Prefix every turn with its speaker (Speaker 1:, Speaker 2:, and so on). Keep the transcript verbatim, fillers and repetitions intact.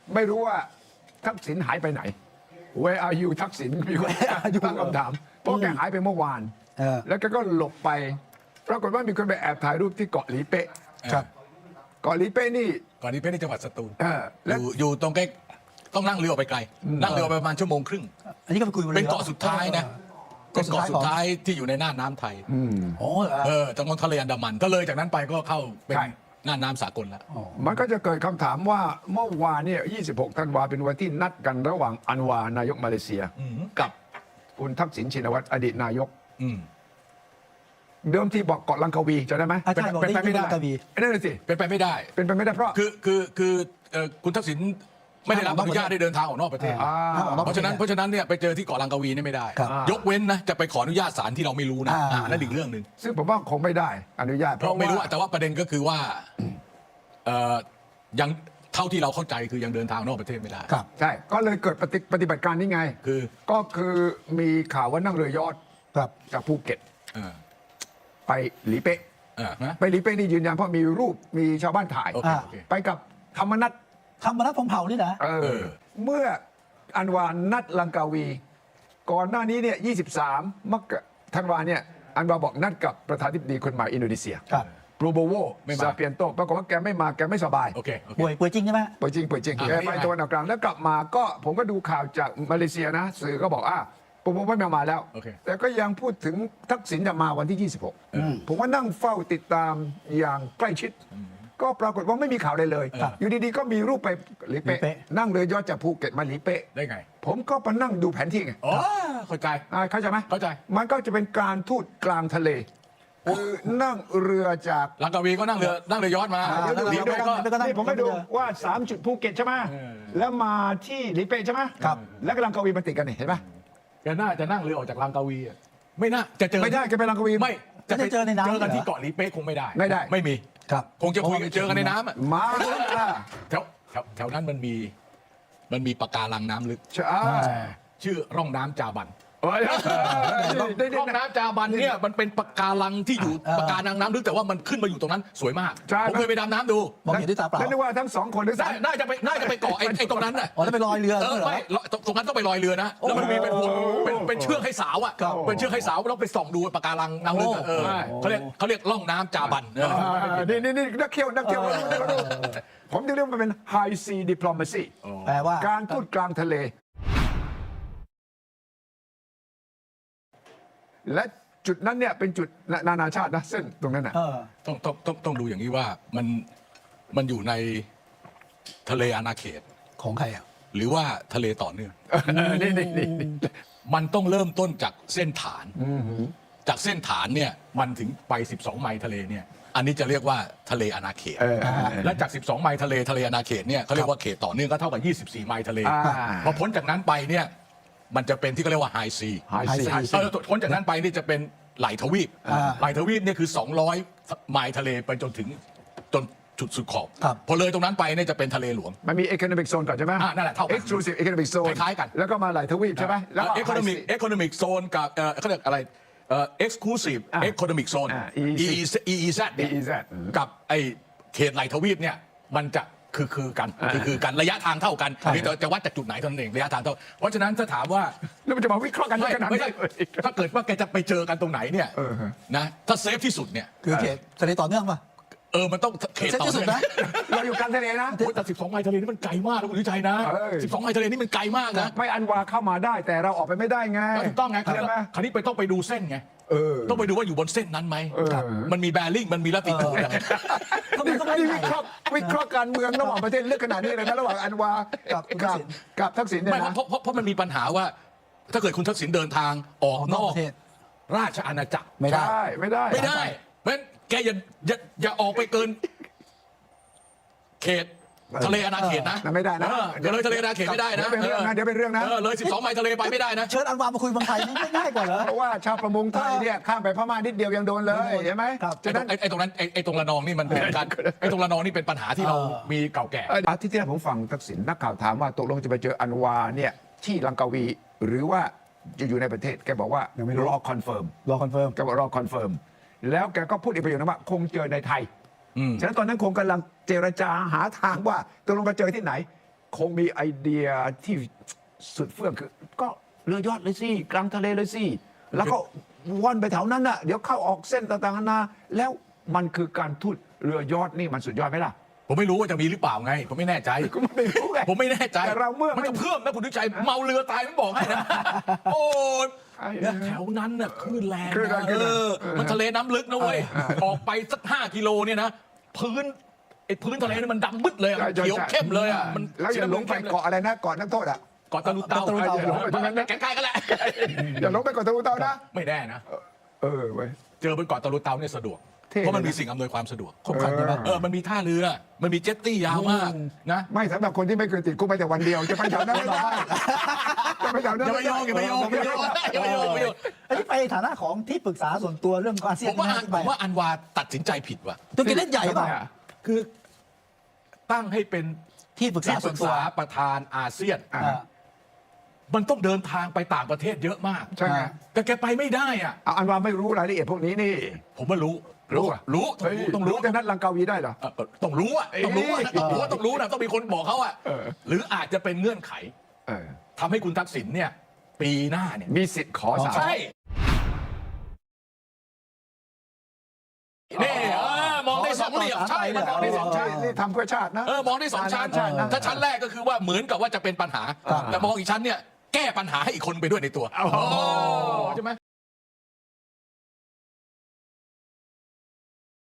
Speaker 1: ไม่รู้ว่าทักษิณหายไปไหน Where are you ทักษิณมีคนตั้งคำถามเพราะแกหายไปเมื่อวานแล้วแกก็หลบไปปรากฏว่ามีคนไปแอบถ่ายรูปที่เกาะหลีเป๊ะครับเกาะหลีเป๊ะนี่
Speaker 2: เกาะหลีเป๊ะในจังหวัดสตูล
Speaker 1: อ
Speaker 2: ยู่อยู่ตรงใกล้ต้องนั่งเรือออกไปไกลนั่งเรือไปประมาณชั่วโมงครึ่ง
Speaker 3: อันนี้ก็ไปคุย
Speaker 2: เป็นเกาะสุดท้ายนะเป็นเกาะสุดท้ายที่อยู่ในน่านน้ำไทย
Speaker 3: โอ้
Speaker 2: เออจังหวัดทะเลอันดามันก็เลยจากนั้นไปก็เข้าเป็นน่านน้ำสากลแล้ว
Speaker 1: มันก็จะเกิดคำถามว่าเมื่อวานเนี่ยยี่สิบหกธันวาเป็นวันที่นัดกันระหว่างอันวานายกมาเลเซียกับคุณทักษิณชินวัตรอดีตนายกเดิมทีบอกเกาะลังกาวีจะได้ไหม
Speaker 3: เป็นไปไม่ได้
Speaker 1: นั่นเลยสิ
Speaker 2: เป็นไปไม่ได้
Speaker 1: เป็นไปไม่ได้เพราะ
Speaker 2: คือคือคือคุณทักษิณไม่ได้รับอนุญาตได้เดินทางออกนอกประเทศเพราะฉะนั้นเพราะฉะนั้นเนี่ยไปเจอที่เกาะลังกาวีนี่ไม่ได้ยกเว้นนะจะไปขออนุญาตศาลที่เราไม่รู้นะนั่นอีกเรื่องหนึ่ง
Speaker 1: ซึ่งผมว่าคงไม่ได้อนุญาต
Speaker 2: เพราะไม่รู้แต่ว่าประเด็นก็คือว่ายังเท่าที่เราเข้าใจคือยังเดินทางนอกประเทศไม่ได้
Speaker 1: ครับใช่ก็เลยเกิดปฏิบัติการนี้ไง
Speaker 2: คือ
Speaker 1: ก็คือมีข่าวว่านั่งเรือยอชต์จากภูเก็ตไปหลีเป๊ะไปหลีเป๊ะนี่ยืนยันเพราะมีรูปมีชาวบ้านถ่ายไปกับธรรมนัส
Speaker 3: ธรรมนัสพรหมเผ่านี่นะ
Speaker 1: เมื่ออันวานนัดลังกาวีก่อนหน้านี้เนี่ยยี่สิบสามมกราธันวาเนี่ยอันวาบอกนัดกับประธานาธิบดีคนใหม่อินโดนีเซียโปรโบโวซาเปียนโตปรากฏว่าแกไม่มาแกไม่สบาย
Speaker 3: ป่วยป่วยจริงใช่ไหม
Speaker 1: ป่วยจริงป่วยจริงแกไปตะวันออกกลางแล้วกลับมาก็ผมก็ดูข่าวจากมาเลเซียนะสื่อก็บอกอ่ะผมไม่มามาแล้วแต่ก็ยังพูดถึงทักษิณจะมาวันที่ยี่สิบหกผมว่านั่งเฝ้าติดตามอย่างใกล้ชิดก็ปรากฏว่าไม่มีข่าวเลยเลยอยู่ดีๆก็มีรูปไปหลีเป๊ะนั่งเรือยอชต์จากภูเก็ตมาหลีเป๊ะ
Speaker 2: ได้ไง
Speaker 1: ผมก็ไปนั่งดูแผนที่ไง
Speaker 2: อ๋อเข้าใจ
Speaker 1: เข้าใจไหม
Speaker 2: เข้าใจ
Speaker 1: มันก็จะเป็นการทูตกลางทะเลคือนั่งเรือจาก
Speaker 2: ลังกาวีก็นั่งเรือนั่งเรือยอชต์มา
Speaker 1: เดี๋ยวหลีเป๊ะก็นี่ผมให้ดูว่าสามจุดภูเก็ตใช่ไหมแล้วมาที่หลีเป๊ะใช่ไหมครับแล้วก็ลังกาวีมาติดกันเห็นไหม
Speaker 2: แกน่าจะนั่งเรือออกจากลังกาวีไม่น่าจะเจอ
Speaker 1: ไม่ได้แกไปลังกาวี
Speaker 2: ไม่จะไปเจอในน้ำเจอกันที่เกาะหลีเป๊ะคงไม่ได้
Speaker 1: ไม่ได้
Speaker 2: ไม่มี
Speaker 3: ครับ
Speaker 2: คงจะคุยกันเจอกันในน้ำอ่ะ
Speaker 1: มา
Speaker 2: แถวแถวแถวนั้นมันมีมันมีปะการังน้ำลึก
Speaker 1: ใช่
Speaker 2: ชื่อร่องน้ำจาบันร่องน้ำจาบันเนี่ยมันเป็นปะการังที่อยู่ปะการังน้ำลึกแต่ว่ามันขึ้นมาอยู่ตรงนั้นสวยมากผมเคยไปดำน้ำดู
Speaker 3: มองเห็นด้วยตาเปล่า
Speaker 1: แล้วนึกว่าทั้งสองคนด้วย
Speaker 2: น่าจะไปน่าจะไปเกาะไอ้ตรงนั้นน่ะ
Speaker 3: อ๋อแล้วไปลอยเรือ
Speaker 2: เออไม่ตรงนั้นต้องไปลอยเรือนะแล้วมันมีเป็นห่วงเป็นเป็นเชือกให้สาวอ่ะเป็นเชือกให้สาวแล้วไปส่องดูปะการังน้ำลึกเออเขาเรียกเขาเรียกร่องน้ำจาบัน
Speaker 1: นี่นี่นี่นักเที่ยวนักเที่ยวผมจะเรียกมันเป็น high sea diplomacy
Speaker 3: แปลว่า
Speaker 1: การทูตกลางทะเลและจุดนั้นเนี่ยเป็นจุดนานาชาตินะเส้นตรงนั้นนะ
Speaker 2: ต้องต้องต้องต้องดูอย่างนี้ว่ามันมันอยู่ในทะเลอาณาเขต
Speaker 3: ของใครอ่ะ
Speaker 2: หรือว่าทะเลต่อเนื่อง
Speaker 1: นี่นี่นี่
Speaker 2: มันต้องเริ่มต้นจากเส้นฐานจากเส้นฐานเนี่ยมันถึงไปสิบสองไมล์ทะเลเนี่ยอันนี้จะเรียกว่าทะเลอาณาเขตและจากสิบสองไมล์ทะเลทะเลอาณาเขตเนี่ยเขาเรียกว่าเขตต่อเนื่องก็เท่ากับยี่สิบสี่ไมล์ทะเลพอพ้นจากนั้นไปเนี่ยมันจะเป็นที่เขาเรียกว่าไฮซีพ้นจากนั้นไปนี่จะเป็นไหลทวีปไหลทวีปเนี่ยคือสองร้อยไมล์ทะเลไปจนถึงจนจุดสุดขอบพอเลยตรงนั้นไปเนี่ยจะเป็นทะเลหลวง
Speaker 1: มันมี economic zone ก่อนใช่ไหม
Speaker 2: นั่นแหละเท่ากัน
Speaker 1: exclusive economic zone
Speaker 2: คล้ายกัน
Speaker 1: แล้วก็มาไหลทวีปใช่ไหม
Speaker 2: แล้ว economic economic zone กับเขาเรียกอะไร exclusive economic zone อี อี แซด กับไอเขตไหลทวีปเนี่ยมันจะคือคือกันคือคือกันระยะทางเท่ากันนี่จะวัดจากจุดไหนเท่านั้นเองระยะทางเท่าเพราะฉะนั้นถ้าถามว่า
Speaker 1: แล้วมันจะมาวิเคราะห์กันได้ขนาดไหน
Speaker 2: ถ้าเกิดว่าแกจะไปเจอกันตรงไหนเนี่ยนะถ้าเซฟที่สุดเนี่ย
Speaker 3: คือเขตทะเลต่อเนื่องป่ะ
Speaker 2: เออมันต้องเขตต่อเนื่อง
Speaker 1: นะเราอยู่กลางทะเลนะ
Speaker 2: แต่สิบสองไมล์ทะเลนี่มันไกลมากนะคุณวิชัยนะสิบสองไมล์ทะเลนี่มันไกลมากนะ
Speaker 1: ไม่อันวาเข้ามาได้แต่เราออกไปไม่ได้ไง
Speaker 2: ถูกต้องไงคราวนี้ไปต้องไปดูเส้นไงต้องไปดูว่าอยู่บนเส้นนั้นไหมมันมีแบริ่งมันมีลัติจูดอะไร
Speaker 1: นี่วิเคราะห์วิเคราะห์การเมืองระหว่างประเทศเลือกขนาดนี้เลยนะระหว่างอันวากับกับกับทักษิณเนี่ยนะ
Speaker 2: เพราะเพราะมันมีปัญหาว่าถ้าเกิดคุณทักษิณเดินทางออกนอกราชอาณาจักร
Speaker 1: ไม่ได้ไม่ได้
Speaker 2: ไม่ได้เพราะฉะนั้นแกอย่าอย่าอย่าออกไปเกินเขตทะเลอาณาเขตนะ
Speaker 1: ไม่ได้นะ
Speaker 2: เดี๋ยวเลยทะเลอาณาเขตไม่ได้นะ
Speaker 1: เดี๋ยวเป็นเรื่องนะเดี๋ยวเป็นเรื่องนะ
Speaker 2: เลยสิบสองไมล์ทะเลไปไม่ได้นะ
Speaker 3: เชิญอันวามาคุยเมืองไทยไม่ง่ายกว่าเหรอ
Speaker 1: เพราะว่าชาวประมงไทยเนี่ยข้ามไปพม่านิดเดียวยังโดนเลยใช่ไหม
Speaker 2: ฉะนั้นไอ้ตรงนั้นไอ้ตรงระนองนี่มันเป็นการไอ้ตรงระนองนี่เป็นปัญหาที่เรามีเก่าแก่
Speaker 1: อาทิตย์ที่แล้วผมฟังทักษิณนักข่าวถามว่าตกลงจะไปเจออันวาเนี่ยที่ลังกาวีหรือว่าจะอยู่ในประเทศแกบอกว่ารอคอนเฟิร์ม
Speaker 3: รอคอนเฟิร์ม
Speaker 1: แกบอกรอคอนเฟิร์มแล้วแกก็พูดอีกประโยคนึงว่าคงเจอในไทยฉะนั้นตอนนั้นคงกำลังเจรจาหาทางว่าตกลงจะเจอที่ไหนคงมีไอเดียที่สุดเฟื่องคือ ก็เรือยอดเลยสิกลางทะเลเลยสิแล้วก็ว่อนไปแถวนั้นน่ะเดี๋ยวเข้าออกเส้นต่างๆนานาแล้วมันคือการทูตเรือยอดนี่มันสุดยอดไหมล่ะ
Speaker 2: ผมไม่รู้ว่าจะมีหรือเปล่าไง ผมไม่แน่ใจ
Speaker 1: ก็ไม่รู้ไง
Speaker 2: ผมไม่แน่ใจ
Speaker 1: แต่เราเมื่อ
Speaker 2: มันจะเพิ่มนะคุณดุใจเมาเรือตายไม่บอกให้นะ โอ้ย
Speaker 1: ไอ้
Speaker 2: เนี่ยแถวนั้นน่ะคลื่นแรง
Speaker 1: คลื่นแรง
Speaker 2: นะ
Speaker 1: คลื่น
Speaker 2: เอ
Speaker 1: แรง
Speaker 2: อ
Speaker 1: เออ
Speaker 2: มันทะเลน้ำลึกนะเว้ยออกไปสักห้ากิโลเนี่ยนะพื้นไอ้พื้นทะเลนี่มันดำมืดเลยอะมันเขียวเข้มเลยอ่ะมัน
Speaker 1: แล้วอย่าหลงไปเกาะอะไรนะเกาะนักโทษอ่ะ
Speaker 2: เกาะตะลุเตา
Speaker 3: เกาะตะลุเตา
Speaker 1: อย่าหลงไปตรงนั้นนะ
Speaker 2: ใกล้ๆกันแหละ
Speaker 1: อย่าหลงไปเกาะตะลุเตานะ
Speaker 2: ไม่แน่นะ
Speaker 1: เออเว้ย
Speaker 2: เจอบนเกาะตะลุเตาเนี่ยสะดวก
Speaker 1: เท่
Speaker 2: เพราะมัน
Speaker 1: เลยนะ
Speaker 2: มีสิ่งอำนวยความสะดวก
Speaker 3: ครบครันใช่ไหม
Speaker 2: เออมันมีท่าเรือ มันมีเจ็ตตี้ยาวมากนะ
Speaker 1: ไม่สำหรับคนที่ไม่เคยติดคุกไปแต่วันเดียวจะไปแถวนั้นไม่ได้จะไปแถวนั้น
Speaker 2: อย่าไปโยงอย่าไปโยงอย่าไปโยงอย่าไปโยงอย่าไปโยง
Speaker 3: อันนี้ไปในฐานะของที่ปรึกษาส่วนตัวเรื่องอาเซีย
Speaker 2: ผ
Speaker 3: น
Speaker 2: มว่า
Speaker 3: นะ
Speaker 2: อัน
Speaker 3: ที่
Speaker 2: ผ
Speaker 3: ไป
Speaker 2: มว่าอันวาตัดสินใจผิดว่ะ
Speaker 3: ตัวกินเล่นใหญ่ป่ะ
Speaker 2: คือตั้งให้เป็น
Speaker 3: ที่ปรึกษา
Speaker 2: ที่ป
Speaker 3: ส่
Speaker 2: รึ
Speaker 3: วน
Speaker 2: ก
Speaker 3: ตัว
Speaker 2: ษาประธานอาเซียน
Speaker 1: อ่า
Speaker 3: อ่า
Speaker 2: มันต้องเดินทางไปต่างประเทศเยอะมาก
Speaker 1: ใช่ไหม
Speaker 2: แต่แกไปไม่ได้อ่ะ
Speaker 1: เอาอันว่าไม่รู้รายละเอียดพวกนี้นี่
Speaker 2: ผมว่ารู้
Speaker 1: รู้อะ
Speaker 2: รู้ต้อง
Speaker 1: เฮ้ย
Speaker 2: รู้ต้องรู้
Speaker 1: จะนัดลังกาวีได้เหรอ
Speaker 2: เออต้องรู้อ่ะต้องรู้อ่ะต้องรู้ว่าต้องรู้นะต้องมีคนบอกเขาอ่ะ
Speaker 1: เออ
Speaker 2: หรืออาจจะเป็นเงื่อนไข
Speaker 1: เออ
Speaker 2: ทำให้คุณทักษิณเนี่ย ปีหน้าเนี่ย
Speaker 1: มีสิทธิ์ขอสาร
Speaker 2: ใช่นี่เออมองได้สองเหลี่ยมใช่มันมองได้สองชั้น
Speaker 1: นี่ทำเพื่อชาตินะ
Speaker 2: เออมองได้สองชั้น
Speaker 1: ชาตินะ
Speaker 2: ถ้าชั้นแรกก็คือว่าเหมือนกับว่าจะเป็นปัญหา แต่มองอีกชั้นเนี่ยแก้ปัญหาให้อีกคนไปด้วยในตัว
Speaker 1: อ๋อ
Speaker 2: ใช่ไหม